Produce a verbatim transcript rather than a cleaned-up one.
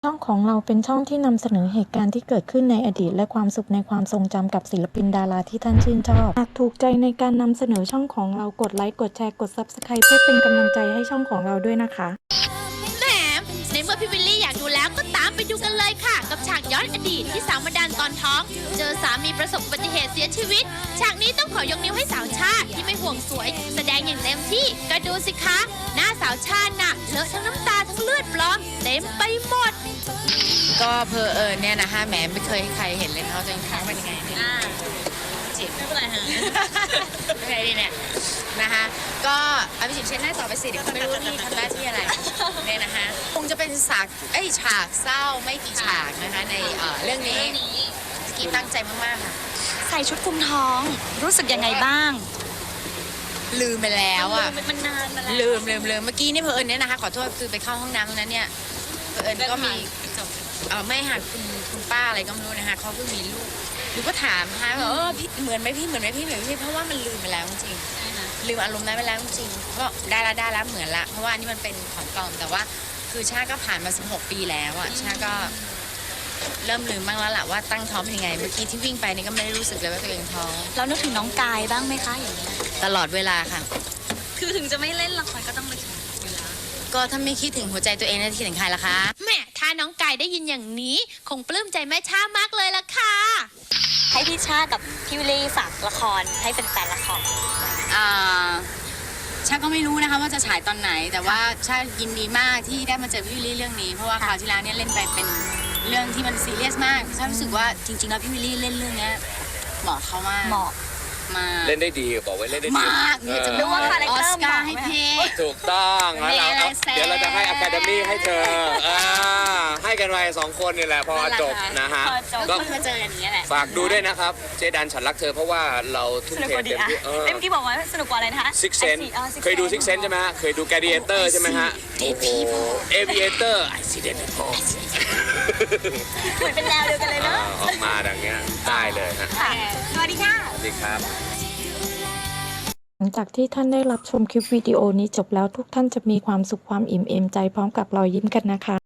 ช่องของเราเป็นช่องที่นำเสนอเหตุการณ์ที่เกิดขึ้นในอดีตและความสุขในความทรงจำกับศิลปินดาราที่ท่านชื่นชอบหากถูกใจในการนำเสนอช่องของเรากดไลค์กดแชร์กด ซับสไครบ์ เพื่อเป็นกำลังใจให้ช่องของเราด้วยนะคะแหมในเมื่อพี่วิลลี่อยากดูแล้วก็ตามไปดูกันเลยค่ะกับฉากย้อนอดีตที่สาวมาดันตอนท้อง เจอสามีประสบอุบัติเหตุเสียชีวิตฉากนี้ต้องขอยกนิ้วให้สาวชาติที่ไม่ห่วงสวยแสดงอย่างเต็มที่ก็ดูสิคะหน้าสาวชาติน่ะเลอะทั้งน้ำตาทั้งเลือดปลอมเต็มไปหมดก็เพอเอิญเนี่ยนะคะแหมไม่เคยให้ใครเห็นเลยเขาจะท้องเป็นยังไงเนี่ยจิบไม่เป็นไรฮะเป็นไงดีเนี่ยนะคะก็เอาไปจิบเช็ดหน้าต่อไปสิเดี๋ยวเขาไม่รู้นี่ทำหน้าที่อะไรเนี่ยนะคะคงจะเป็นฉากไอ้ฉากเศร้าไม่กี่ฉากนะคะในเรื่องนี้สกีตั้งใจมากๆค่ะใส่ชุดคลุมท้องรู้สึกยังไงบ้างลืมไปแล้วอ่ะมันนานมาแล้วลืมลืมลืมเมื่อกี้นี่เพอเอิญเนี่ยนะคะขอโทษคือไปเข้าห้องน้ำนั้นเนี่ยเพอเอิญก็มีเออไม่ค่ะคุณคุณป้าอะไรก็ไม่รู้นะคะเขาเพิ่งมีลูกหนูก็ถามค่ะว่าเออพี่เหมือนไหมพี่เหมือนไหมพี่เหมือนไหมพี่เพราะว่ามันลืมไปแล้วจริงลืมอารมณ์นั้นไปแล้วจริงก็ได้ละได้ละเหมือนละเพราะว่านี่มันเป็นของปลอมแต่ว่าคือชาก็ผ่านมาสิบหกปีแล้วอ่ะชาก็เริ่มลืมบ้างแล้วล่ะว่าตั้งท้องเป็นยังไงเมื่อกี้ที่วิ่งไปนี่ก็ไม่ได้รู้สึกเลยว่าตัวเองท้องเรานึกถึงน้องกายบ้างไหมคะอย่างนี้ตลอดเวลาค่ะคือถึงจะไม่เล่นละครก็ต้องไปก็ถ้าไม่คิดถึงหัวใจตัวเองจะคิดถึงใครล่ะคะแม่ถ้าน้องกายได้ยินอย่างนี้คงปลื้มใจแม่ชามากเลยล่ะค่ะให้พี่ชากับพี่วิลลี่ฝากละครให้เป็นแฟนละครอ่าชาก็ไม่รู้นะคะว่าจะฉายตอนไหนแต่ว่าชายินดีมากที่ได้มาเจอพี่วิลลี่เรื่องนี้เพราะว่าคราวที่แล้วเนี่ยเล่นไปเป็นเรื่องที่มันซีเรียสมากชารู้สึกว่าจริงๆแล้วพี่วิลลี่เล่นเรื่องนี้เหมาะเขามากเหมาะเล่นได้ดีบอกไว้เล่นได้ดีมากเนี่ยจะดูว่าคาแรคเตอร์มาให้พี่ถูกต้องแล้วเราเดี๋ยวเราจะให้อะคาเดมี่ให้เธอให้กันไว้สองคนนี่แหละพอจบนะฮะก็มาเจออย่างนี้แหละฝากดูด้วยนะครับเจดันฉันรักเธอเพราะว่าเราทุ่มเทเต็มที่เออเมื่อกี้บอกว่าสนุกกว่าอะไรนะคะ Six Sense เคยดู Six Sense ใช่ไหมฮะเคยดู Gladiator ใช่ไหมฮะโอ้โห Aviator I see dead people เหมือนเป็นแนวเดียวกันเลยเนาะออกมาดังเงี้ยได้เลยฮะสวัสดีค่ะสวัสดีครับหลังจากที่ท่านได้รับชมคลิปวิดีโอนี้จบแล้วทุกท่านจะมีความสุขความอิ่มเอมใจพร้อมกับรอยยิ้มกันนะคะ